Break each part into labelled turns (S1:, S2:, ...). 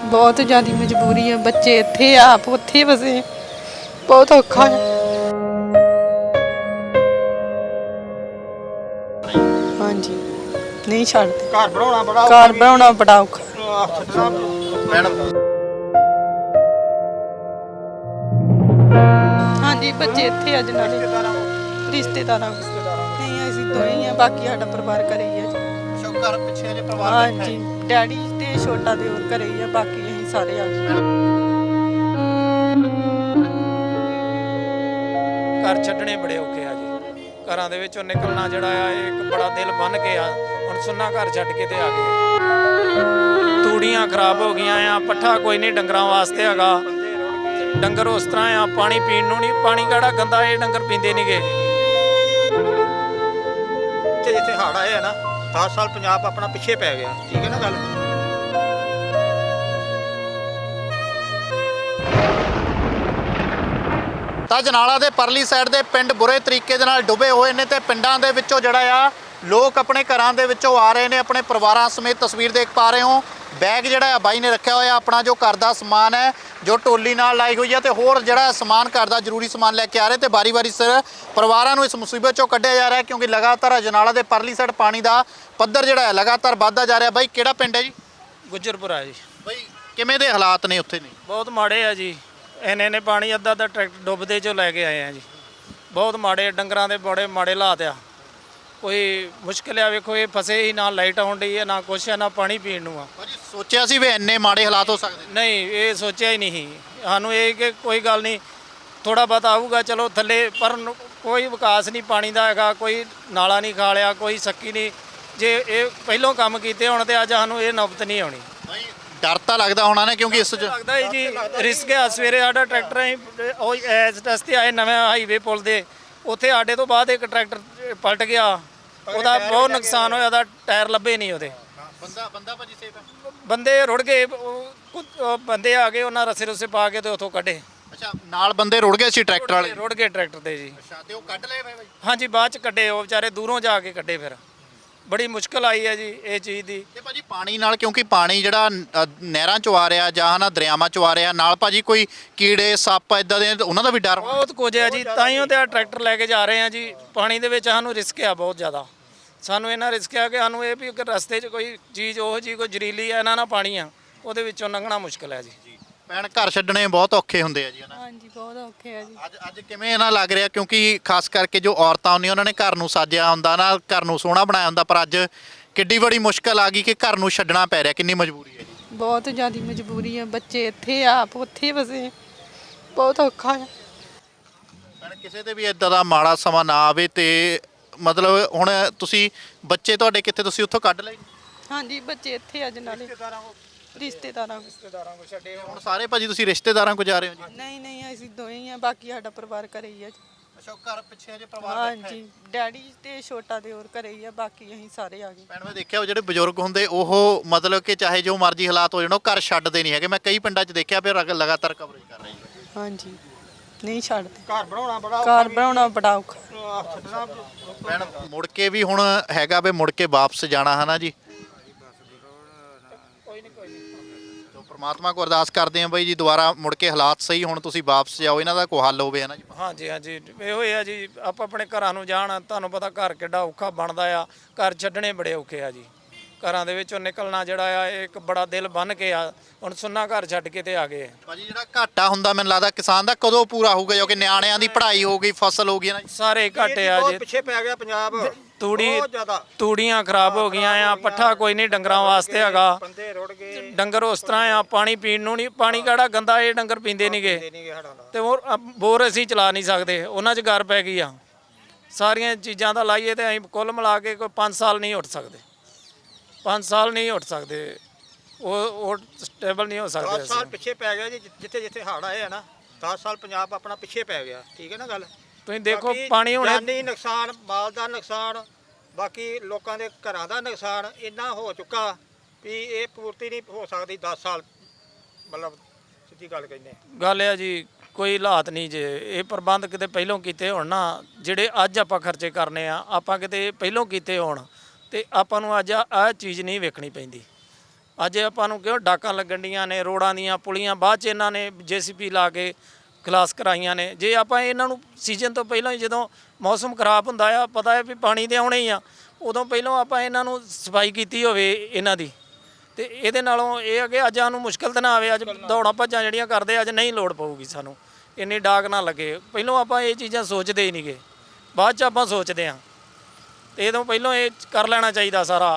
S1: बहुत ज़्यादा मजबूरी है। बच्चे इत्थे आप उत्थे वसे बहुत औखा है। हाँ जी नहीं छड्डदे। घर बनाना बड़ा औखा। हाँ जी बच्चे इत्थे अज नाले रिश्तेदारां नहीं असीं दो ही हैं, बाकी साडा परिवार घरे ही है जी। हाँ जी डैडी ते छोटा दिओर घरे ही है, बाकी असीं सारे आ गए।
S2: घर छड्डणे बड़े औखे आ जी। घरां दे विचों निकलना जिहड़ा आ एक बड़ा दिल बन के आ। हुण सुन्ना घर छड्ड के ते आ गए। तूड़ियां खराब हो गईयां आ, पट्ठा कोई नहीं डंगरां वास्ते हैगा। डंगर उस तरह आ, पानी पीण नूं नहीं, पानी किहड़ा गंदा ये डंगर पींदे नहीं गे।
S3: जिथे हड़ आए है ना 10 साल पंजाब अपना पिछे पै गया, ठीक है ना गल। ਤਾਂ ਜਨਾਲਾ ਦੇ ਪਰਲੀ ਸਾਈਡ ਦੇ ਪਿੰਡ ਬੁਰੇ ਤਰੀਕੇ ਦੇ ਨਾਲ ਡੁੱਬੇ ਹੋਏ ਨੇ ਤੇ ਪਿੰਡਾਂ ਦੇ ਵਿੱਚੋਂ ਜਿਹੜਾ ਆ ਲੋਕ ਆਪਣੇ ਘਰਾਂ ਦੇ ਵਿੱਚੋਂ ਆ ਰਹੇ ਨੇ, ਆਪਣੇ ਪਰਿਵਾਰਾਂ ਸਮੇਤ। ਤਸਵੀਰ ਦੇਖ ਪਾ ਰਹੇ ਹੋ ਬੈਗ ਜਿਹੜਾ ਆ ਬਾਈ ਨੇ ਰੱਖਿਆ ਹੋਇਆ ਆਪਣਾ ਜੋ ਘਰ ਦਾ ਸਮਾਨ ਹੈ, ਜੋ ਟੋਲੀ ਨਾਲ ਲਾਈ ਹੋਈ ਹੈ, ਤੇ ਹੋਰ ਜਿਹੜਾ ਸਮਾਨ ਘਰ ਦਾ ਜ਼ਰੂਰੀ ਸਮਾਨ ਲੈ ਕੇ ਆ ਰਹੇ ਤੇ ਵਾਰੀ-ਵਾਰੀ ਸਿਰ ਪਰਿਵਾਰਾਂ ਨੂੰ ਇਸ ਮੁਸੀਬਤ ਚੋਂ ਕੱਢਿਆ ਜਾ ਰਿਹਾ, ਕਿਉਂਕਿ ਲਗਾਤਾਰ ਅਜਨਾਲਾ ਦੇ ਪਰਲੀ ਸਾਈਡ ਪਾਣੀ ਦਾ ਪੱਧਰ ਜਿਹੜਾ ਹੈ ਲਗਾਤਾਰ ਵੱਧਦਾ ਜਾ ਰਿਹਾ। ਬਾਈ ਕਿਹੜਾ ਪਿੰਡ ਹੈ ਜੀ?
S2: ਗੁੱਜਰਪੁਰਾ ਜੀ।
S3: ਬਾਈ ਕਿਵੇਂ ਦੇ ਹਾਲਾਤ ਨੇ ਉੱਥੇ? ਨੇ
S2: ਬਹੁਤ ਮਾੜੇ ਆ ਜੀ। ਇੰਨੇ ਪਾਣੀ ਅੱਧਾ ਟਰੈਕਟਰ ਡੁੱਬਦੇ ਚੋਂ ਲੈ ਕੇ ਆਏ ਆ ਜੀ। ਬਹੁਤ ਮਾੜੇ, ਡੰਗਰਾਂ ਦੇ ਬੜੇ ਮਾੜੇ ਹਾਲਾਤ ਆ। ਕੋਈ ਮੁਸ਼ਕਿਲ ਆ, ਵੇਖੋ ਇਹ ਫਸੇ ਹੀ, ਨਾ ਲਾਈਟ ਆਉਣ ਡਈ ਹੈ, ਨਾ ਕੁਛ ਹੈ, ਨਾ ਪਾਣੀ ਪੀਣ ਨੂੰ ਆ।
S3: ਭਾਜੀ ਸੋਚਿਆ ਸੀ ਵੀ ਇੰਨੇ ਮਾੜੇ ਹਾਲਾਤ ਹੋ ਸਕਦੇ?
S2: ਨਹੀਂ ਇਹ ਸੋਚਿਆ ਹੀ ਨਹੀਂ ਸਾਨੂੰ, ਇਹ ਕਿ ਕੋਈ ਗੱਲ ਨਹੀਂ ਥੋੜਾ ਬਹੁਤ ਆਊਗਾ ਚਲੋ ਥੱਲੇ, ਪਰ ਕੋਈ ਵਿਕਾਸ ਨਹੀਂ ਪਾਣੀ ਦਾ ਹੈਗਾ। ਕੋਈ ਨਾਲਾ ਨਹੀਂ ਖਾਲਿਆ, ਕੋਈ ਸੱਕੀ ਨਹੀਂ। ਜੇ ਇਹ ਪਹਿਲੋਂ ਕੰਮ ਕੀਤੇ ਹੋਣ ਤੇ ਅੱਜ ਸਾਨੂੰ ਇਹ ਨੌਬਤ ਨਹੀਂ ਆਉਣੀ।
S3: ਡਰ ਤਾਂ ਲੱਗਦਾ ਹੋਣਾ ਨਾ, ਕਿਉਂਕਿ ਇਸ
S2: ਲੱਗਦਾ ਹੀ ਜੀ ਰਿਸਕ ਆ। ਸਵੇਰੇ ਸਾਡਾ ਟਰੈਕਟਰ ਅਸੀਂ ਉਹ ਐਸ ਰਸਤੇ ਆਏ ਨਵੇਂ ਹਾਈਵੇ ਪੁਲ ਦੇ, ਉੱਥੇ ਸਾਡੇ ਤੋਂ ਬਾਅਦ ਇੱਕ ਟਰੈਕਟਰ ਪਲਟ ਗਿਆ, ਉਹਦਾ ਬਹੁਤ ਨੁਕਸਾਨ ਹੋਇਆ। ਉਹਦਾ ਟਾਇਰ ਲੱਭੇ ਨਹੀਂ ਉਹਦੇ।
S3: ਬੰਦਾ ਭਾਜੀ ਸੇਫ ਹੈ?
S2: ਬੰਦੇ ਰੁੜ ਗਏ। ਬੰਦੇ ਆ ਗਏ, ਉਹਨਾਂ ਰਸੇ ਰੁਸੇ ਪਾ ਕੇ ਤੇ ਉੱਥੋਂ ਕੱਢੇ।
S3: ਅੱਛਾ ਨਾਲ ਬੰਦੇ ਰੁੜ ਗਏ ਸੀ ਟਰੈਕਟਰ ਵਾਲੇ?
S2: ਰੁੜ ਗਏ ਟਰੈਕਟਰ ਤੇ ਜੀ।
S3: ਅੱਛਾ ਤੇ ਉਹ ਕੱਢ ਲਏ ਬਾਈ?
S2: ਹਾਂਜੀ ਬਾਅਦ ਚ ਕੱਢੇ, ਉਹ ਵਿਚਾਰੇ ਦੂਰੋਂ ਜਾ ਕੇ ਕੱਢੇ। ਫਿਰ ਬੜੀ ਮੁਸ਼ਕਲ ਆਈ ਹੈ ਜੀ ਇਹ ਚੀਜ਼ ਦੀ।
S3: ਤੇ ਭਾਜੀ ਪਾਣੀ ਨਾਲ, ਕਿਉਂਕਿ ਪਾਣੀ ਜਿਹੜਾ ਨਹਿਰਾਂ ਚੋਂ ਆ ਰਿਹਾ ਜਾਂ ਨਾ ਦਰਿਆਵਾਂ ਚੋਂ ਆ ਰਿਹਾ, ਨਾਲ ਭਾਜੀ ਕੋਈ ਕੀੜੇ ਸੱਪ ਇਦਾਂ ਦੇ ਉਹਨਾਂ ਦਾ ਵੀ ਡਰ?
S2: ਬਹੁਤ ਕੁਝ ਹੈ ਜੀ, ਤਾਈਓ ਤੇ ਆ ਟਰੈਕਟਰ ਲੈ ਕੇ ਜਾ ਰਹੇ ਆ ਜੀ। ਪਾਣੀ ਦੇ ਵਿੱਚ ਸਾਨੂੰ ਰਿਸਕ ਆ ਬਹੁਤ ਜ਼ਿਆਦਾ। ਸਾਨੂੰ ਇਹਨਾਂ ਰਿਸਕ ਆ ਕਿ ਸਾਨੂੰ ਇਹ ਵੀ ਰਸਤੇ 'ਚ ਕੋਈ ਚੀਜ਼ ਉਹ ਜੀ ਕੋਈ ਜ਼ਰੀਲੀ ਆ, ਇਹਨਾਂ ਨਾਲ ਪਾਣੀ ਆ, ਉਹਦੇ ਵਿੱਚੋਂ ਲੰਘਣਾ ਮੁਸ਼ਕਲ ਹੈ ਜੀ।
S3: ਭੈਣ ਘਰ ਛੱਡਣੇ ਬਹੁਤ ਔਖੇ ਹੁੰਦੇ ਆ ਜੀ ਹਨਾ?
S1: हाँ जी बहुत औखे है जी।
S3: ਅੱਜ ਕਿਵੇਂ ਇਹਨਾਂ ਲੱਗ ਰਿਹਾ, ਕਿਉਂਕਿ ਖਾਸ ਕਰਕੇ ਜੋ ਔਰਤਾਂ ਹੁੰਦੀਆਂ ਉਹਨਾਂ ਨੇ ਘਰ ਨੂੰ ਸਾਜਿਆ ਹੁੰਦਾ ਨਾ, ਘਰ ਨੂੰ ਸੋਹਣਾ ਬਣਾਇਆ ਹੁੰਦਾ, ਪਰ ਅੱਜ ਕਿੱਡੀ ਬੜੀ ਮੁਸ਼ਕਲ ਆ ਗਈ ਕਿ ਘਰ ਨੂੰ ਛੱਡਣਾ ਪੈ ਰਿਹਾ। ਕਿੰਨੀ ਮਜਬੂਰੀ ਹੈ ਜੀ?
S1: बहुत ज़्यादा मजबूरी है। बच्चे इत्थे आप उत्थे वसे बहुत औखा है।
S3: ਭੈਣ ਕਿਸੇ ਤੇ ਵੀ ਇਦਾਂ ਦਾ ਮਾੜਾ ਸਮਾਂ ਨਾ ਆਵੇ ਤੇ ਮਤਲਬ ਹੁਣ ਤੁਸੀਂ ਬੱਚੇ ਤੁਹਾਡੇ ਕਿੱਥੇ, ਤੁਸੀਂ ਉੱਥੋਂ ਕੱਢ ਲਏ?
S1: हाँ जी बच्चे इत्थे अज नाले रिश्तेदारां
S2: ਰਿਸ਼ਤੇਦਾਰਾਂ ਕੋ ਛੱਡੇ
S3: ਹੁਣ ਸਾਰੇ ਭਾਜੀ ਤੁਸੀਂ ਰਿਸ਼ਤੇਦਾਰਾਂ ਕੋ ਜਾ ਰਹੇ ਹੋ ਜੀ?
S1: नहीं असीं दो ही हैं, बाकी साडा परिवार घरे ही है जी।
S3: ਅੱਛਾ ਘਰ ਪਿੱਛੇ ਜੇ
S1: हाँ जी डैडी ते छोटा दिओर घरे ही है, बाकी असीं सारे आ गए।
S3: ਭੈਣ ਮੈਂ ਦੇਖਿਆ ਉਹ ਜਿਹੜੇ ਬਜ਼ੁਰਗ ਹੁੰਦੇ ਉਹ ਮਤਲਬ ਕਿ ਚਾਹੇ ਜੋ ਮਰਜ਼ੀ ਹਾਲਾਤ ਹੋ ਜਾਣ ਉਹ ਘਰ ਛੱਡਦੇ ਨਹੀਂ ਹੈਗੇ। ਮੈਂ ਕਈ ਪਿੰਡਾਂ 'ਚ ਦੇਖਿਆ ਫਿਰ ਲਗਾਤਾਰ ਕਵਰੇਜ ਕਰ ਰਹੇ ਜੀ।
S1: हाँ जी नहीं छड्डदे।
S3: ਘਰ
S1: बनाना बड़ा औखा।
S3: ਭੈਣ ਮੁੜ ਕੇ ਵੀ ਹੁਣ ਹੈਗਾ ਵੀ ਮੁੜ ਕੇ ਵਾਪਸ ਜਾਣਾ ਹੈ ਨਾ ਜੀ? ਤੋ ਪ੍ਰਮਾਤਮਾ ਕੋ ਅਰਦਾਸ ਕਰਦੇ ਆਂ ਬਾਈ ਜੀ ਦੁਬਾਰਾ ਮੁੜ ਕੇ ਹਾਲਾਤ ਸਹੀ ਹੁਣ, ਤੁਸੀਂ ਵਾਪਸ ਜਾਓ, ਇਹਨਾਂ ਦਾ ਕੋਈ ਹੱਲ ਹੋਵੇ ਹੈ ਨਾ ਜੀ?
S2: ਹਾਂਜੀ ਹਾਂਜੀ ਇਹੋ ਹੀ ਆ ਜੀ। ਆਪਾਂ ਆਪਣੇ ਘਰਾਂ ਨੂੰ ਜਾਣ, ਤੁਹਾਨੂੰ ਪਤਾ ਘਰ ਕਿੱਡਾ ਔਖਾ ਬਣਦਾ ਆ। ਘਰ ਛੱਡਣੇ ਬੜੇ ਔਖੇ ਆ ਜੀ। ਘਰਾਂ ਦੇ ਵਿੱਚੋਂ ਨਿਕਲਣਾ ਜਿਹੜਾ ਆ ਇੱਕ ਬੜਾ ਦਿਲ ਬਨ ਕੇ ਆ। ਹੁਣ ਸੁੰਨਾ ਘਰ ਛੱਡ ਕੇ ਤੇ ਆ ਗਏ।
S3: ਭਾਜੀ ਜਿਹੜਾ ਘਾਟਾ ਹੁੰਦਾ ਮੈਨੂੰ ਲੱਗਦਾ ਕਿਸਾਨ ਦਾ ਕਦੋਂ ਪੂਰਾ ਹੋਊਗਾ, ਜੋ ਕਿ ਨਿਆਣਿਆਂ ਦੀ ਪੜ੍ਹਾਈ ਹੋ ਗਈ, ਫਸਲ ਹੋ ਗਈ ਨਾ ਜੀ?
S2: ਸਾਰੇ ਘਾਟੇ ਆ ਜੀ।
S3: ਪਿੱਛੇ ਪੈ ਗਿਆ ਪੰਜਾਬ
S2: ਤੂੜੀਆਂ ਖਰਾਬ ਹੋ ਗਈਆਂ ਆ, ਪੱਠਾ ਕੋਈ ਨਹੀਂ ਡੰਗਰਾਂ ਵਾਸਤੇ ਹੈਗਾ।
S3: ਬੰਦੇ ਰੁੜ ਗਏ।
S2: ਡੰਗਰ ਉਸ ਤਰ੍ਹਾਂ ਆ, ਪਾਣੀ ਪੀਣ ਨੂੰ ਨਹੀਂ, ਪਾਣੀ ਕਿਹੜਾ ਗੰਦਾ ਇਹ ਡੰਗਰ ਪੀਂਦੇ ਨਹੀਂਗੇ। ਤੇ ਹੋਰ ਬੋਰ ਅਸੀਂ ਚਲਾ ਨਹੀਂ ਸਕਦੇ, ਉਹਨਾਂ 'ਚ ਗਰ ਪੈ ਗਈ ਆ। ਸਾਰੀਆਂ ਚੀਜ਼ਾਂ ਦਾ ਲਾਈਏ ਤੇ ਅਸੀਂ ਕੁੱਲ ਮਿਲਾ ਕੇ ਕੋਈ 5 ਸਾਲ ਨਹੀਂ ਉੱਠ ਸਕਦੇ। 5 ਸਾਲ ਨਹੀਂ ਉੱਠ ਸਕਦੇ, ਉਹ ਸਟੇਬਲ ਨਹੀਂ ਹੋ ਸਕਦੇ।
S3: 10 ਸਾਲ ਪਿੱਛੇ ਪੈ ਗਿਆ ਜੀ। ਜਿੱਥੇ ਹੜ ਆਏ ਆ ਨਾ 10 ਸਾਲ ਪੰਜਾਬ ਆਪਣਾ ਪਿੱਛੇ ਪੈ ਗਿਆ, ਠੀਕ ਹੈ ਨਾ ਗੱਲ।
S2: ਤੁਸੀਂ ਦੇਖੋ ਪਾਣੀ ਹੁਣੇ
S3: ਜਾਨੀ ਨੁਕਸਾਨ, ਮਾਲ ਦਾ ਨੁਕਸਾਨ, ਬਾਕੀ ਲੋਕਾਂ ਦੇ ਘਰਾਂ ਦਾ ਨੁਕਸਾਨ ਇੰਨਾ ਹੋ ਚੁੱਕਾ ਵੀ ਇਹ ਪੂਰਤੀ ਨਹੀਂ ਹੋ ਸਕਦੀ 10 ਸਾਲ। ਮਤਲਬ ਸਿੱਧੀ ਗੱਲ ਕਹਿੰਦੇ
S2: ਗੱਲ ਆ ਜੀ, ਕੋਈ ਹਾਲਾਤ ਨਹੀਂ ਜੇ ਇਹ ਪ੍ਰਬੰਧ ਕਿਤੇ ਪਹਿਲੋਂ ਕੀਤੇ ਹੋਣ ਨਾ, ਜਿਹੜੇ ਅੱਜ ਆਪਾਂ ਖਰਚੇ ਕਰਨੇ ਆ, ਆਪਾਂ ਕਿਤੇ ਪਹਿਲੋਂ ਕੀਤੇ ਹੋਣ ਤੇ ਆਪਾਂ ਨੂੰ ਅੱਜ ਆਹ ਚੀਜ਼ ਨਹੀਂ ਵੇਖਣੀ ਪੈਂਦੀ। ਅੱਜ ਆਪਾਂ ਨੂੰ ਕਿਉਂ ਡਾਕਾਂ ਲੱਗਣ ਡੀਆਂ ਨੇ ਰੋਡਾਂ ਦੀਆਂ ਪੁਲੀਆਂ ਬਾਅਦ 'ਚ ਇਹਨਾਂ ਨੇ JCP ਲਾ ਕੇ ਖਲਾਸ ਕਰਾਈਆਂ ਨੇ। ਜੇ ਆਪਾਂ ਇਹਨਾਂ ਨੂੰ ਸੀਜ਼ਨ ਤੋਂ ਪਹਿਲਾਂ ਹੀ ਜਦੋਂ ਮੌਸਮ ਖਰਾਬ ਹੁੰਦਾ ਆ ਪਤਾ ਹੈ ਵੀ ਪਾਣੀ ਦੇ ਆਉਣੇ ਹੀ ਆ ਉਦੋਂ ਪਹਿਲਾਂ ਆਪਾਂ ਇਹਨਾਂ ਨੂੰ ਸਫਾਈ ਕੀਤੀ ਹੋਵੇ ਇਹਨਾਂ ਦੀ ਤੇ ਇਹਦੇ ਨਾਲੋਂ ਇਹ ਆ ਕਿ ਅੱਜ ਸਾਨੂੰ ਮੁਸ਼ਕਲ ਤਾਂ ਨਾ ਆਵੇ। ਅੱਜ ਦੌੜਾਂ ਭੱਜਾਂ ਜਿਹੜੀਆਂ ਕਰਦੇ ਅੱਜ ਨਹੀਂ ਲੋੜ ਪਊਗੀ ਸਾਨੂੰ ਇੰਨੀ ਡਾਕ ਨਾ ਲੱਗੇ। ਪਹਿਲਾਂ ਆਪਾਂ ਇਹ ਚੀਜ਼ਾਂ ਸੋਚਦੇ ਹੀ ਨਹੀਂਗੇ ਬਾਅਦ 'ਚ ਆਪਾਂ ਸੋਚਦੇ ਹਾਂ ਤੇ ਇਹ ਤੋਂ ਪਹਿਲਾਂ ਇਹ ਕਰ ਲੈਣਾ ਚਾਹੀਦਾ ਸਾਰਾ।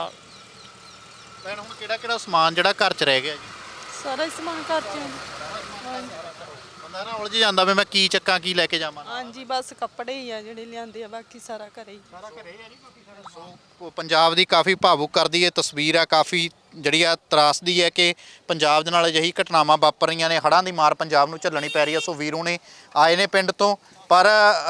S3: ਭੈਣ ਹੁਣ ਕਿਹੜਾ ਸਮਾਨ ਜਿਹੜਾ ਘਰ 'ਚ ਰਹਿ ਗਿਆ ਜੀ?
S1: ਸਾਰਾ ਹੀ ਸਮਾਨ ਘਰ ਚ
S3: ਬੰਦਾ ਨਾ ਉਲਝ ਜਾਂਦਾ ਵੀ ਮੈਂ ਕੀ ਚੱਕਾਂ ਕੀ ਲੈ ਕੇ ਜਾਵਾਂ।
S1: ਹਾਂਜੀ ਬਸ ਕੱਪੜੇ ਹੀ ਆ ਜਿਹੜੇ ਲਿਆਂਦੇ ਆ ਬਾਕੀ ਸਾਰਾ ਘਰੇ ਹੀ।
S3: ਉਹ ਪੰਜਾਬ ਦੀ ਕਾਫੀ ਭਾਵੁਕ ਕਰਦੀ ਇਹ ਤਸਵੀਰ ਆ, ਕਾਫੀ ਜਿਹੜੀ ਆ ਤਰਾਸਦੀ ਹੈ ਕਿ ਪੰਜਾਬ ਦੇ ਨਾਲ ਅਜਿਹੀ ਘਟਨਾਵਾਂ ਵਾਪਰ ਰਹੀਆਂ ਨੇ। ਹੜ੍ਹਾਂ ਦੀ ਮਾਰ ਪੰਜਾਬ ਨੂੰ ਝੱਲਣੀ ਪੈ ਰਹੀ ਹੈ। ਸੋ ਵੀਰੂ ਨੇ ਆਏ ਨੇ ਪਿੰਡ ਤੋਂ, ਪਰ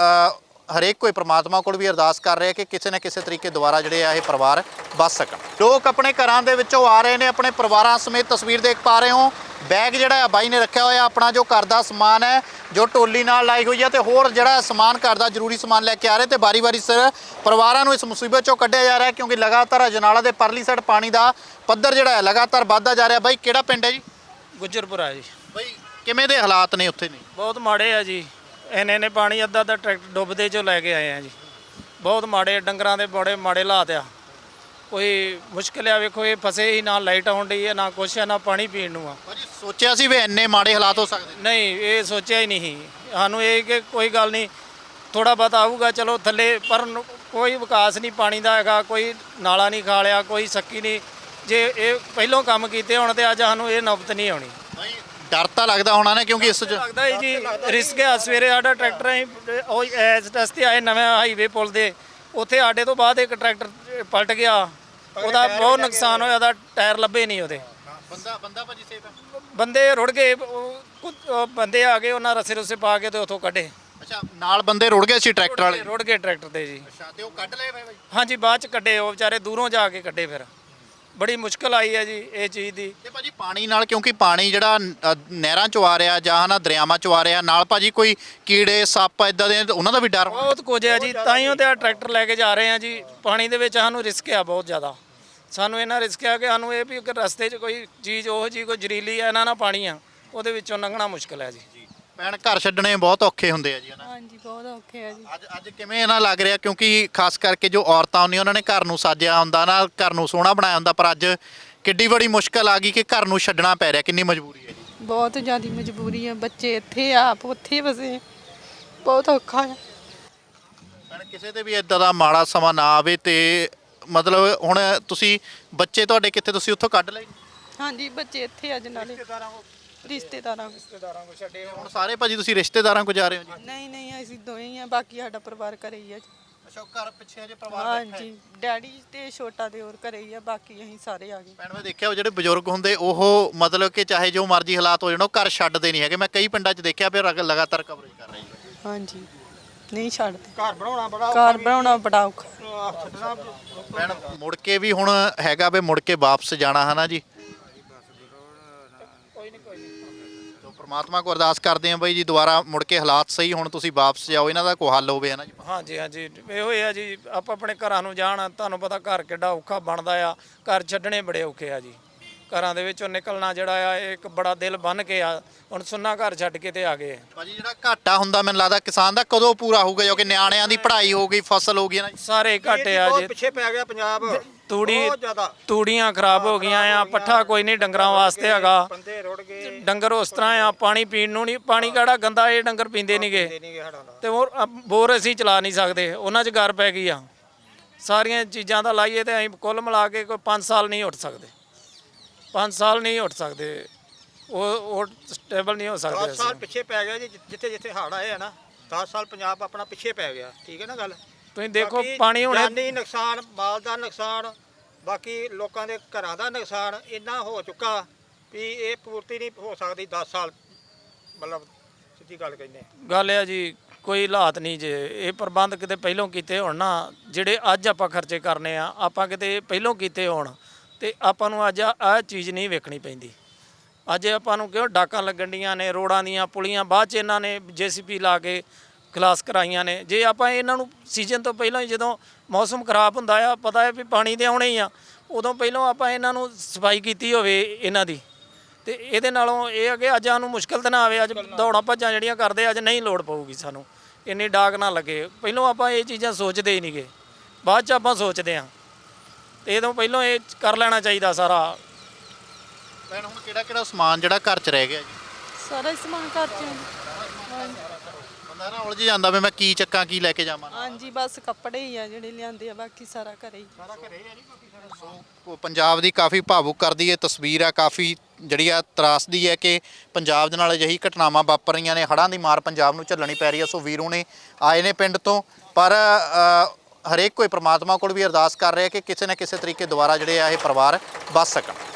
S3: ਹਰੇਕ ਕੋਈ ਪ੍ਰਮਾਤਮਾ ਕੋਲ ਵੀ ਅਰਦਾਸ ਕਰ ਰਿਹਾ ਕਿ ਕਿਸੇ ਨਾ ਕਿਸੇ ਤਰੀਕੇ ਦੁਆਰਾ ਜਿਹੜੇ ਆ ਇਹ ਪਰਿਵਾਰ ਬਚ ਸਕਣ। ਲੋਕ ਆਪਣੇ ਘਰਾਂ ਦੇ ਵਿੱਚੋਂ ਆ ਰਹੇ ਨੇ, ਆਪਣੇ ਪਰਿਵਾਰਾਂ ਸਮੇਤ ਤਸਵੀਰ ਦੇਖ ਪਾ ਰਹੇ ਹੋ। ਬੈਗ ਜਿਹੜਾ ਆ ਬਾਈ ਨੇ ਰੱਖਿਆ ਹੋਇਆ ਆਪਣਾ ਜੋ ਘਰ ਦਾ ਸਮਾਨ ਹੈ ਜੋ ਟੋਲੀ ਨਾਲ ਲਾਈ ਹੋਈ ਹੈ ਤੇ ਹੋਰ ਜਿਹੜਾ ਸਮਾਨ ਘਰ ਦਾ ਜ਼ਰੂਰੀ ਸਮਾਨ ਲੈ ਕੇ ਆ ਰਹੇ ਤੇ ਵਾਰੀ-ਵਾਰੀ ਸਿਰ ਪਰਿਵਾਰਾਂ ਨੂੰ ਇਸ ਮੁਸੀਬਤ ਚੋਂ ਕੱਢਿਆ ਜਾ ਰਿਹਾ ਕਿਉਂਕਿ ਲਗਾਤਾਰ ਅਜਨਾਲਾ ਦੇ ਪਰਲੀ ਸਾਈਡ ਪਾਣੀ ਦਾ ਪੱਧਰ ਜਿਹੜਾ ਹੈ ਲਗਾਤਾਰ ਵੱਧਦਾ ਜਾ ਰਿਹਾ। ਬਾਈ ਕਿਹੜਾ ਪਿੰਡ ਹੈ ਜੀ?
S2: ਗੁੱਜਰਪੁਰਾ ਜੀ।
S3: ਬਾਈ ਕਿਵੇਂ ਦੇ ਹਾਲਾਤ ਨੇ ਉੱਥੇ ਨੇ?
S2: ਬਹੁਤ ਮਾੜੇ ਆ ਜੀ। ਇੰਨੇ ਪਾਣੀ ਅੱਧਾ ਟਰੈਕਟਰ ਡੁੱਬਦੇ 'ਚੋਂ ਲੈ ਕੇ ਆਏ ਆ ਜੀ। ਬਹੁਤ ਮਾੜੇ ਡੰਗਰਾਂ ਦੇ ਬੜੇ ਮਾੜੇ ਹਾਲਾਤ ਆ। ਕੋਈ ਮੁਸ਼ਕਿਲ ਆ ਵੇਖੋ ਇਹ ਫਸੇ ਹੀ ਨਾ ਲਾਈਟ ਆਉਣ ਡਈ ਹੈ ਨਾ ਕੁਛ ਹੈ ਨਾ ਪਾਣੀ ਪੀਣ ਨੂੰ ਆ।
S3: ਭਾਜੀ ਸੋਚਿਆ ਸੀ ਵੀ ਇੰਨੇ ਮਾੜੇ ਹਾਲਾਤ ਹੋ ਸਕਦੇ?
S2: ਨਹੀਂ ਇਹ ਸੋਚਿਆ ਹੀ ਨਹੀਂ ਸਾਨੂੰ ਇਹ ਕਿ ਕੋਈ ਗੱਲ ਨਹੀਂ ਥੋੜਾ ਬਹੁਤ ਆਊਗਾ ਚਲੋ ਥੱਲੇ ਪਰ ਕੋਈ ਵਿਕਾਸ ਨਹੀਂ ਪਾਣੀ ਦਾ ਹੈਗਾ। ਕੋਈ ਨਾਲਾ ਨਹੀਂ ਖਾਲਿਆ ਕੋਈ ਸੱਕੀ ਨਹੀਂ। ਜੇ ਇਹ ਪਹਿਲੋਂ ਕੰਮ ਕੀਤੇ ਹੁਣ ਤੇ ਅੱਜ ਸਾਨੂੰ ਇਹ ਨੌਬਤ ਨਹੀਂ ਆਉਣੀ।
S3: ਭਾਈ ਡਰ ਤਾਂ ਲੱਗਦਾ ਹੋਣਾ ਨਾ ਕਿਉਂਕਿ ਇਸ 'ਚ
S2: ਲੱਗਦਾ ਹੀ ਜੀ ਰਿਸਕ ਆ। ਸਵੇਰੇ ਸਾਡਾ ਟਰੈਕਟਰ ਅਸੀਂ ਉਹ ਇਸ ਰਸਤੇ ਆਏ ਨਵੇਂ ਹਾਈਵੇ ਪੁਲ ਦੇ ਉੱਥੇ ਸਾਡੇ ਤੋਂ ਬਾਅਦ ਇੱਕ ਟਰੈਕਟਰ ਪਲਟ ਗਿਆ। ਉਹਦਾ ਬਹੁਤ ਨੁਕਸਾਨ ਹੋਇਆ। ਉਹਦਾ ਟਾਇਰ ਲੱਭੇ ਨਹੀਂ ਉਹਦੇ।
S3: ਬੰਦਾ ਭਾਜੀ ਸੇਫ ਹੈ?
S2: ਬੰਦੇ ਰੁੜ ਗਏ। ਉਹ ਬੰਦੇ ਆ ਗਏ ਉਹਨਾਂ ਰਸੇ ਰੁਸੇ ਪਾ ਕੇ ਤੇ ਉੱਥੋਂ ਕੱਢੇ।
S3: ਅੱਛਾ ਨਾਲ ਬੰਦੇ ਰੁੜ ਗਏ ਸੀ ਟਰੈਕਟਰ ਵਾਲੇ?
S2: ਰੁੜ ਗਏ ਟਰੈਕਟਰ ਤੇ ਜੀ।
S3: ਅੱਛਾ ਤੇ ਉਹ ਕੱਢ ਲਏ ਭਾਈ?
S2: ਹਾਂਜੀ ਬਾਅਦ ਚ ਕੱਢੇ ਉਹ ਵਿਚਾਰੇ ਦੂਰੋਂ ਜਾ ਕੇ ਕੱਢੇ। ਫਿਰ ਬੜੀ ਮੁਸ਼ਕਲ ਆਈ ਹੈ ਜੀ ਇਹ ਚੀਜ਼ ਦੀ।
S3: ਤੇ ਭਾਜੀ ਪਾਣੀ ਨਾਲ ਕਿਉਂਕਿ ਪਾਣੀ ਜਿਹੜਾ ਨਹਿਰਾਂ ਚੋਂ ਆ ਰਿਹਾ ਜਾਂ ਨਾ ਦਰਿਆਵਾਂ ਚੋਂ ਆ ਰਿਹਾ ਨਾਲ ਭਾਜੀ ਕੋਈ ਕੀੜੇ ਸੱਪ ਇਦਾਂ ਦੇ ਉਹਨਾਂ ਦਾ ਵੀ ਡਰ?
S2: ਬਹੁਤ ਕੁਝ ਹੈ ਜੀ ਤਾਈਓ ਤੇ ਆ ਟਰੈਕਟਰ ਲੈ ਕੇ ਜਾ ਰਹੇ ਆ ਜੀ। ਪਾਣੀ ਦੇ ਵਿੱਚ ਸਾਨੂੰ ਰਿਸਕ ਆ ਬਹੁਤ ਜ਼ਿਆਦਾ। ਸਾਨੂੰ ਇਹਨਾਂ ਰਿਸਕ ਆ ਕਿ ਸਾਨੂੰ ਇਹ ਵੀ ਕਿ ਰਸਤੇ 'ਚ ਕੋਈ ਚੀਜ਼ ਉਹ ਜੀ ਕੋਈ ਜ਼ਰੀਲੀ ਆ ਇਹਨਾਂ ਨਾਲ ਪਾਣੀ ਆ ਉਹਦੇ ਵਿੱਚੋਂ ਲੰਘਣਾ ਮੁਸ਼ਕਲ ਹੈ ਜੀ।
S3: ਭੈਣ ਘਰ ਛੱਡਣੇ ਬਹੁਤ ਔਖੇ ਹੁੰਦੇ ਆ ਜੀ ਹਨਾ?
S1: ਹਾਂਜੀ ਬਹੁਤ ਔਖੇ ਆ ਜੀ।
S3: ਅੱਜ ਕਿਵੇਂ ਇਹਨਾਂ ਲੱਗ ਰਿਹਾ ਕਿਉਂਕਿ ਖਾਸ ਕਰਕੇ ਜੋ ਔਰਤਾਂ ਹੁੰਦੀਆਂ ਉਹਨਾਂ ਨੇ ਘਰ ਨੂੰ ਸਾਜਿਆ ਹੁੰਦਾ ਨਾ ਘਰ ਨੂੰ ਸੋਹਣਾ ਬਣਾਇਆ ਹੁੰਦਾ ਪਰ ਅੱਜ ਕਿੱਡੀ ਬੜੀ ਮੁਸ਼ਕਲ ਆ ਗਈ ਕਿ ਘਰ ਨੂੰ ਛੱਡਣਾ ਪੈ ਰਿਹਾ। ਕਿੰਨੀ ਮਜਬੂਰੀ ਹੈ ਜੀ?
S1: ਬਹੁਤ ਜ਼ਿਆਦਾ ਮਜਬੂਰੀ ਆ। ਬੱਚੇ ਇੱਥੇ ਆਪ ਉੱਥੇ ਵਸੇ ਬਹੁਤ ਔਖਾ ਆ।
S3: ਭੈਣ ਕਿਸੇ ਤੇ ਵੀ ਇਦਾਂ ਦਾ ਮਾੜਾ ਸਮਾਂ ਨਾ ਆਵੇ ਤੇ ਮਤਲਬ ਹੁਣ ਤੁਸੀਂ ਬੱਚੇ ਤੁਹਾਡੇ ਕਿੱਥੇ ਤੁਸੀਂ ਉੱਥੋਂ ਕੱਢ ਲਏ?
S1: ਹਾਂਜੀ ਬੱਚੇ ਇੱਥੇ ਅੱਜ ਨਾਲੇ ਰਿਸ਼ਤੇਦਾਰਾਂ
S2: ਕੋ ਛੱਡੇ
S3: ਹੁਣ ਸਾਰੇ ਭਾਜੀ ਤੁਸੀਂ ਰਿਸ਼ਤੇਦਾਰਾਂ ਕੋ ਜਾ ਰਹੇ ਹੋ ਜੀ?
S1: ਨਹੀਂ ਅਸੀਂ ਦੋਵੇਂ ਹੀ ਆ ਬਾਕੀ ਸਾਡਾ ਪਰਿਵਾਰ ਘਰੇ ਹੀ ਆ ਜੀ।
S3: ਅੱਛਾ ਘਰ ਪਿੱਛੇ ਜੇ
S1: ਹਾਂਜੀ ਡੈਡੀ ਤੇ ਛੋਟਾ ਦਿਓਰ ਘਰੇ ਹੀ ਆ ਬਾਕੀ ਅਸੀਂ ਸਾਰੇ ਆ ਗਏ।
S3: ਭੈਣ ਮੈਂ ਦੇਖਿਆ ਉਹ ਜਿਹੜੇ ਬਜ਼ੁਰਗ ਹੁੰਦੇ ਉਹ ਮਤਲਬ ਕਿ ਚਾਹੇ ਜੋ ਮਰਜ਼ੀ ਹਾਲਾਤ ਹੋ ਜਾਣ ਉਹ ਘਰ ਛੱਡਦੇ ਨਹੀਂ ਹੈਗੇ। ਮੈਂ ਕਈ ਪਿੰਡਾਂ 'ਚ ਦੇਖਿਆ ਫਿਰ ਲਗਾਤਾਰ ਕਵਰੇਜ ਕਰ ਰਹੀ ਹੈ।
S1: ਹਾਂਜੀ ਨਹੀਂ ਛੱਡਦੇ।
S2: ਘਰ ਬਣਾਉਣਾ
S1: ਬੜਾ ਔਖਾ।
S3: ਭੈਣ ਮੁੜ ਕੇ ਵੀ ਹੁਣ ਹੈਗਾ ਵੀ ਮੁੜ ਕੇ ਵਾਪਸ ਜਾਣਾ ਹੈ ਨਾ ਜੀ? ਤੋ ਪ੍ਰਮਾਤਮਾ ਕੋ ਅਰਦਾਸ ਕਰਦੇ ਆਂ ਬਾਈ ਜੀ ਦੁਬਾਰਾ ਮੁੜ ਕੇ ਹਾਲਾਤ ਸਹੀ ਹੁਣ ਤੁਸੀਂ ਵਾਪਸ ਜਾਓ ਇਹਨਾਂ ਦਾ ਕੋਈ ਹੱਲ ਹੋਵੇ ਹੈ ਨਾ ਜੀ?
S2: ਹਾਂਜੀ ਇਹੋ ਹੀ ਆ ਜੀ। ਆਪਾਂ ਆਪਣੇ ਘਰਾਂ ਨੂੰ ਜਾਣ ਤੁਹਾਨੂੰ ਪਤਾ ਘਰ ਕਿੱਡਾ ਔਖਾ ਬਣਦਾ ਆ। ਘਰ ਛੱਡਣੇ ਬੜੇ ਔਖੇ ਆ ਜੀ। ਘਰਾਂ ਦੇ ਵਿੱਚੋਂ ਨਿਕਲਣਾ ਜਿਹੜਾ ਆ ਇਹ ਇੱਕ ਬੜਾ ਦਿਲ ਬੰਨ ਕੇ ਆ। ਹੁਣ ਸੁੰਨਾ ਘਰ ਛੱਡ ਕੇ ਤੇ ਆ ਗਏ।
S3: ਭਾਜੀ ਜਿਹੜਾ ਘਾਟਾ ਹੁੰਦਾ ਮੈਨੂੰ ਲੱਗਦਾ ਕਿਸਾਨ ਦਾ ਕਦੋਂ ਪੂਰਾ ਹੋਊਗਾ ਜੋ ਕਿ ਨਿਆਣਿਆਂ ਦੀ ਪੜ੍ਹਾਈ ਹੋ ਗਈ ਫਸਲ ਹੋ ਗਈ ਨਾ ਜੀ?
S2: ਸਾਰੇ ਘਾਟੇ ਆ ਜੀ।
S4: ਪਿੱਛੇ ਪੈ ਗਿਆ ਪੰਜਾਬ
S2: ਤੂੜੀਆਂ ਖਰਾਬ ਹੋ ਗਈਆਂ ਆ। ਪੱਠਾ ਕੋਈ ਨਹੀਂ ਡੰਗਰਾਂ ਵਾਸਤੇ ਹੈਗਾ।
S4: ਬੰਦੇ ਰੁੜ ਗਏ।
S2: ਡੰਗਰ ਉਸ ਤਰ੍ਹਾਂ ਆ ਪਾਣੀ ਪੀਣ ਨੂੰ ਨਹੀਂ। ਪਾਣੀ ਕਿਹੜਾ ਗੰਦਾ ਇਹ ਡੰਗਰ ਪੀਂਦੇ ਨਹੀਂਗੇ ਤੇ ਹੋਰ ਬੋਰ ਅਸੀਂ ਚਲਾ ਨਹੀਂ ਸਕਦੇ ਉਹਨਾਂ 'ਚ ਗਰ ਪੈ ਗਈ ਆ। ਸਾਰੀਆਂ ਚੀਜ਼ਾਂ ਦਾ ਲਾਈਏ ਤੇ ਅਸੀਂ ਕੁੱਲ ਮਿਲਾ ਕੇ ਕੋਈ 5 ਸਾਲ ਨਹੀਂ ਉੱਠ ਸਕਦੇ। 5 ਸਾਲ ਨਹੀਂ ਉੱਠ ਸਕਦੇ। ਉਹ ਸਟੇਬਲ ਨਹੀਂ ਹੋ ਸਕਦੇ।
S4: 10 ਸਾਲ ਪਿੱਛੇ ਪੈ ਗਿਆ ਜੀ। ਜਿੱਥੇ ਹੜ੍ਹ ਆਏ ਆ ਨਾ 10 ਸਾਲ ਪੰਜਾਬ ਆਪਣਾ ਪਿੱਛੇ ਪੈ ਗਿਆ। ਠੀਕ ਹੈ ਨਾ ਗੱਲ?
S2: ਤੁਸੀਂ ਦੇਖੋ ਪਾਣੀ ਹੁਣ
S4: ਜਾਨੀ ਨੁਕਸਾਨ ਮਾਲ ਦਾ ਨੁਕਸਾਨ ਬਾਕੀ ਲੋਕਾਂ ਦੇ ਘਰਾਂ ਦਾ ਨੁਕਸਾਨ ਇੰਨਾ ਹੋ ਚੁੱਕਾ ਵੀ ਇਹ ਪੂਰਤੀ ਨਹੀਂ ਹੋ ਸਕਦੀ 10 ਸਾਲ। ਮਤਲਬ ਸਿੱਧੀ ਗੱਲ ਕਹਿੰਦੇ
S2: ਗੱਲ ਆ ਜੀ ਕੋਈ ਹਾਲਾਤ ਨਹੀਂ ਜੇ ਇਹ ਪ੍ਰਬੰਧ ਕਿਤੇ ਪਹਿਲੋਂ ਕੀਤੇ ਹੋਣ ਨਾ ਜਿਹੜੇ ਅੱਜ ਆਪਾਂ ਖਰਚੇ ਕਰਨੇ ਆ ਆਪਾਂ ਕਿਤੇ ਪਹਿਲੋਂ ਕੀਤੇ ਹੋਣ ਤੇ ਆਪਾਂ ਨੂੰ ਅੱਜ ਆਹ ਚੀਜ਼ ਨਹੀਂ ਵੇਖਣੀ ਪੈਂਦੀ। ਅੱਜ ਆਪਾਂ ਨੂੰ ਕਿਉਂ ਡਾਕਾਂ ਲੱਗਣ ਡੀਆਂ ਨੇ ਰੋਡਾਂ ਦੀਆਂ ਪੁਲੀਆਂ ਬਾਅਦ 'ਚ ਇਹਨਾਂ ਨੇ JCP ਲਾ ਕੇ ਖਲਾਸ ਕਰਾਈਆਂ ਨੇ। ਜੇ ਆਪਾਂ ਇਹਨਾਂ ਨੂੰ ਸੀਜ਼ਨ ਤੋਂ ਪਹਿਲਾਂ ਹੀ ਜਦੋਂ ਮੌਸਮ ਖਰਾਬ ਹੁੰਦਾ ਆ ਪਤਾ ਹੈ ਵੀ ਪਾਣੀ ਦੇ ਆਉਣੇ ਹੀ ਆ ਉਦੋਂ ਪਹਿਲਾਂ ਆਪਾਂ ਇਹਨਾਂ ਨੂੰ ਸਫਾਈ ਕੀਤੀ ਹੋਵੇ ਇਹਨਾਂ ਦੀ, ਤੇ ਇਹਦੇ ਨਾਲੋਂ ਇਹ ਆ ਕਿ ਅੱਜ ਸਾਨੂੰ ਮੁਸ਼ਕਲ ਤਾਂ ਨਾ ਆਵੇ। ਅੱਜ ਦੌੜਾਂ ਭੱਜਾਂ ਜਿਹੜੀਆਂ ਕਰਦੇ ਅੱਜ ਨਹੀਂ ਲੋੜ ਪਊਗੀ ਸਾਨੂੰ, ਇੰਨੀ ਡਾਕ ਨਾ ਲੱਗੇ। ਪਹਿਲਾਂ ਆਪਾਂ ਇਹ ਚੀਜ਼ਾਂ ਸੋਚਦੇ ਹੀ ਨਹੀਂਗੇ, ਬਾਅਦ 'ਚ ਆਪਾਂ ਸੋਚਦੇ ਹਾਂ, ਤੇ ਇਹਦੋਂ ਪਹਿਲਾਂ ਇਹ ਕਰ ਲੈਣਾ ਚਾਹੀਦਾ ਸਾਰਾ।
S3: ਭੈਣ ਹੁਣ ਕਿਹੜਾ ਸਮਾਨ ਜਿਹੜਾ ਘਰ 'ਚ ਰਹਿ ਗਿਆ ਜੀ?
S1: ਸਾਰਾ ਹੀ ਸਮਾਨ ਘਰ ਚ
S3: ਬੰਦਾ ਨਾ ਉਲਝ ਜਾਂਦਾ ਵੀ ਮੈਂ ਕੀ ਚੱਕਾਂ ਕੀ ਲੈ ਕੇ ਜਾਵਾਂ।
S1: ਹਾਂਜੀ ਬਸ ਕੱਪੜੇ ਹੀ ਆ ਜਿਹੜੇ ਲਿਆਂਦੇ ਆ, ਬਾਕੀ ਸਾਰਾ ਘਰੇ ਹੀ।
S3: ਸੋ ਪੰਜਾਬ ਦੀ ਕਾਫੀ ਭਾਵੁਕ ਕਰਦੀ ਇਹ ਤਸਵੀਰ ਆ, ਕਾਫੀ ਜਿਹੜੀ ਆ ਤਰਾਸਦੀ ਹੈ ਕਿ ਪੰਜਾਬ ਦੇ ਨਾਲ ਅਜਿਹੀ ਘਟਨਾਵਾਂ ਵਾਪਰ ਰਹੀਆਂ ਨੇ। ਹੜ੍ਹਾਂ ਦੀ ਮਾਰ ਪੰਜਾਬ ਨੂੰ ਝੱਲਣੀ ਪੈ ਰਹੀ ਹੈ। ਸੋ ਵੀਰੂ ਨੇ ਆਏ ਨੇ ਪਿੰਡ ਤੋਂ, ਪਰ ਹਰੇਕ ਕੋਈ ਪ੍ਰਮਾਤਮਾ ਕੋਲ ਵੀ ਅਰਦਾਸ ਕਰ ਰਿਹਾ ਕਿ ਕਿਸੇ ਨਾ ਕਿਸੇ ਤਰੀਕੇ ਦੁਆਰਾ ਜਿਹੜੇ ਆ ਇਹ ਪਰਿਵਾਰ ਬਚ ਸਕਣ।